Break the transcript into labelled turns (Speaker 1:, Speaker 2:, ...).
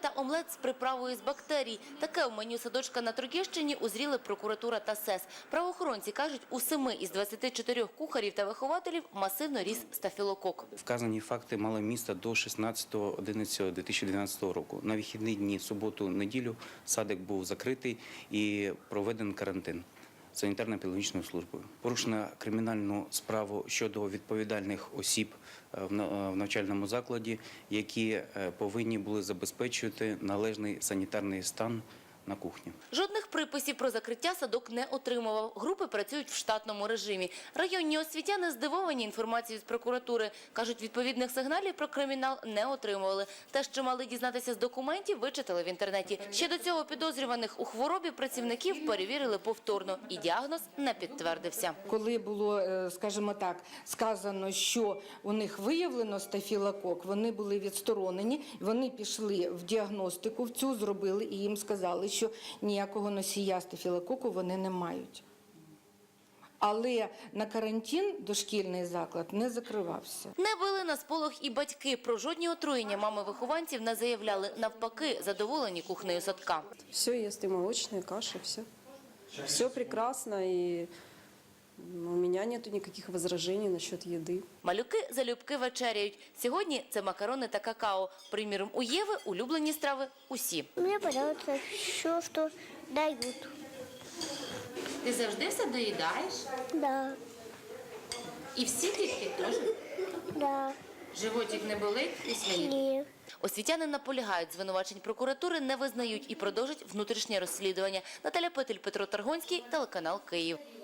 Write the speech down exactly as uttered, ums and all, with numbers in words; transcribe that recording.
Speaker 1: та омлет з приправою з бактерій. Таке в меню садочка на Трогіщині узріли прокуратура та СЕС. Правоохоронці кажуть, у семи із двадцяти чотирьох кухарів та вихователів масивно ріс стафілокок.
Speaker 2: Вказані факти мали місце до шістнадцятого одинадцятого дві тисячі дванадцятого року. На вихідні дні, суботу, неділю садик був закритий і проведений карантин санітарно-епідеміологічною службою. Порушено кримінальну справу щодо відповідальних осіб в навчальному закладі, які повинні були забезпечувати належний санітарний стан на кухні.
Speaker 1: Жодних приписів про закриття садок не отримував. Групи працюють в штатному режимі. Районні освітяни здивовані інформацією з прокуратури. Кажуть, відповідних сигналів про кримінал не отримували. Те, що мали дізнатися з документів, вичитали в інтернеті. Ще до цього підозрюваних у хворобі працівників перевірили повторно. І діагноз не підтвердився.
Speaker 3: Коли було, скажімо так, сказано, що у них виявлено стафілокок, вони були відсторонені, вони пішли в діагностику, в цю зробили і їм сказали, що ніякого носія стафілококу вони не мають. Але на карантин дошкільний заклад не закривався.
Speaker 1: Не били на сполох і батьки. Про жодні отруєння мами вихованців не заявляли. Навпаки, задоволені кухнею садка.
Speaker 4: Все, їсти молочні, каші, все. Все прекрасно і у мене немає ніяких возражень насчет їди.
Speaker 1: Малюки залюбки вечеряють. Сьогодні це макарони та какао. Приміром, у Єви улюблені страви усі.
Speaker 5: Мені подобається все, що дають.
Speaker 1: Ти завжди все доїдаєш?
Speaker 5: Да,
Speaker 1: І всі дітки теж?
Speaker 5: да,
Speaker 1: Животик не болить і свої?
Speaker 5: ні.
Speaker 1: Освітяни наполягають, звинувачень прокуратури не визнають і продовжать внутрішнє розслідування. Наталя Петель, Петро Таргонський, телеканал Київ.